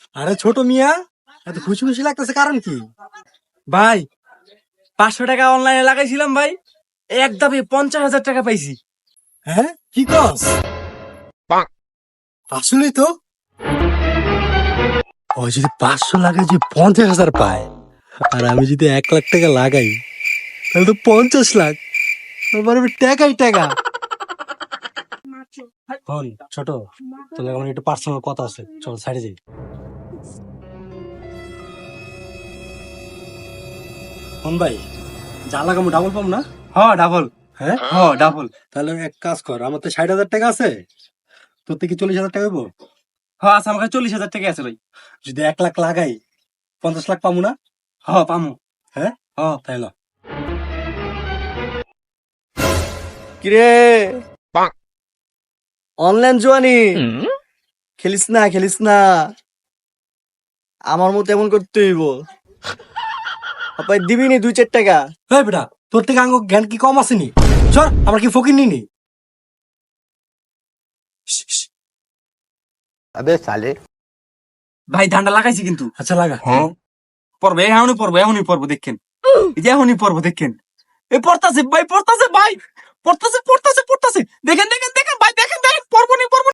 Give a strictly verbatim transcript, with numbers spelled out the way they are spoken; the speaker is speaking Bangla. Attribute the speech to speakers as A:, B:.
A: আরে ছোট মিয়া, এত খুশি খুশি লাগতেছে কারণ কি?
B: ভাই পাঁচশো টাকা অনলাইনে লাগাইছিলাম ভাই, এক দামে পঞ্চাশ হাজার টাকা পাইছি।
A: হ্যাঁ কি কস? আসলেই তো, ও যদি পাঁচশো লাগাই যে পঞ্চাশ হাজার পায়, আর আমি যদি এক লাখ টাকা লাগাই তাহলে তো পঞ্চাশ লাখ। আমার টাকাই টাকা। হন ছোট, তোর আমার একটু পার্সোনাল কথা আছে, চল সাইডে যাই। হন ভাই, যা লাগামো ডাবল পাম না?
B: হ ডাবল।
A: হ্যাঁ
B: হ ডাবল।
A: তাহলে এক কাজ কর, আমার তো ষাট হাজার টাকা আছে, তোর থেকে চল্লিশ হাজার টাকা হইবো।
B: হ আচ্ছা, আমার কাছে চল্লিশ হাজার টাকা আছে ভাই।
A: যদি এক লাখ লাগাই পঞ্চাশ লাখ পাবো না?
B: হ পামু।
A: হ্যাঁ
B: হ
A: তাই না?
C: কিরে অনলাইন জুয়ানি খেলিস না খেলিস না, আমার মতো এমন করতে হইব। আপাই দিবি নি দুই চার টাকা?
A: এই বেটা, তোর থেকে আঙ্গ জ্ঞান কি কম আসেনি? চল, আমরা কি ফকির নিনি?
D: अबे साले।
B: ভাই ধানটা লাগাইছি কিন্তু।
A: আচ্ছা লাগা।
B: পড়বে এখনই পড়বো, এখনই পড়বো দেখেন, এই যে এখনই পড়বো দেখেন। এ পড়তাছে ভাই, পড়তাছে ভাই, পড়তাছে পড়তাছে পড়তাছে, দেখেন দেখেন দেখেন ভাই, দেখেন দেখেন, পড়বো নি পড়বো নি।